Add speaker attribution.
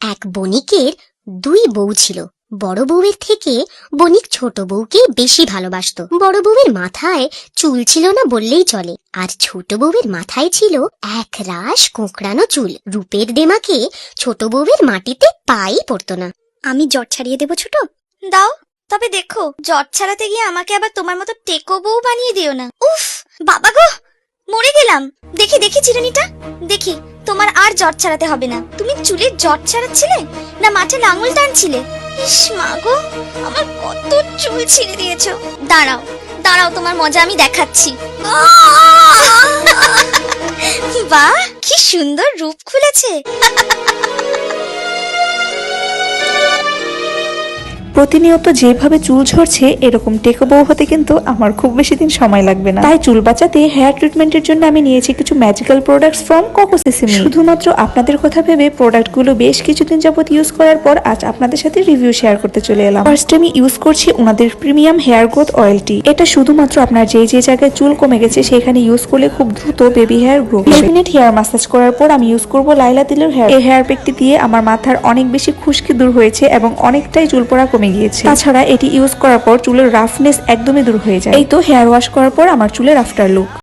Speaker 1: এক বণিকের দুই বউ ছিল। বড় বউয়ের থেকে বণিক ছোট বউকে বেশি ভালোবাসতো। বড় বউয়ের মাথায় চুল ছিল না বললেই চলে, আর ছোট বউয়ের মাথায় ছিল এক রাশ কোঁকড়ানো চুল। রূপের দেমাকে ছোট বউয়ের মাটিতে পাই পড়তো না।
Speaker 2: আমি জট ছাড়িয়ে দেবো ছোট। দাও, তবে দেখো জট ছাড়াতে গিয়ে আমাকে আবার তোমার মতো টেকো বউ বানিয়ে দিও না। উফ বাবা গো, মরে গেলাম। দেখি দেখি চিরুনিটা দেখি, তোমার আর জট ছাড়াতে হবে না। তুমি চুলের জট ছাড়াচ্ছিলে না মাঠে লাঙল টানছিলে? ইস মা গো, আমার কত চুল ছিঁড়ে দিয়েছো। দাঁড়াও দাঁড়াও, তোমার মজা আমি দেখাচ্ছি। বাহ, কি সুন্দর রূপ খুলেছে।
Speaker 3: প্রতিনিয়ত যেভাবে চুল ঝরছে এরকম টেকো বউ হতে কিন্তু আমার খুব বেশি দিন সময় লাগবে না। তাই চুল বাঁচাতে হেয়ার ট্রিটমেন্টের জন্য আমি নিয়েছি কিছু magical products from Coco Sesame. শুধুমাত্র আপনাদের কথা ভেবে প্রোডাক্টগুলো বেশ কিছুদিন যাবত ইউজ করার পর আজ আপনাদের সাথে রিভিউ শেয়ার করতে চলে এলাম। ফার্স্ট আমি ইউজ করছি ওনাদের প্রিমিয়াম হেয়ার গ্রোথ অয়েলটি। এটা শুধুমাত্র আপনার যে জায়গায় চুল কমে গেছে সেখানে ইউজ করলে খুব দ্রুত বেবি হেয়ার গ্রো হবে। 10 মিনিট হেয়ার ম্যাসাজ করার পর আমি ইউজ করব লাইলা তিলের হেয়ার। এই হেয়ার প্যাকটি দিয়ে আমার মাথার অনেক বেশি খুশকি দূর হয়েছে এবং অনেকটাই চুল পড়া কমে গিয়েছে। তাছাড়া এটি ইউজ করার পর চুলের রাফনেস একদমই দূর হয়ে যায়। এই তো হেয়ার ওয়াশ করার পর আমার চুলের আফটার লুক।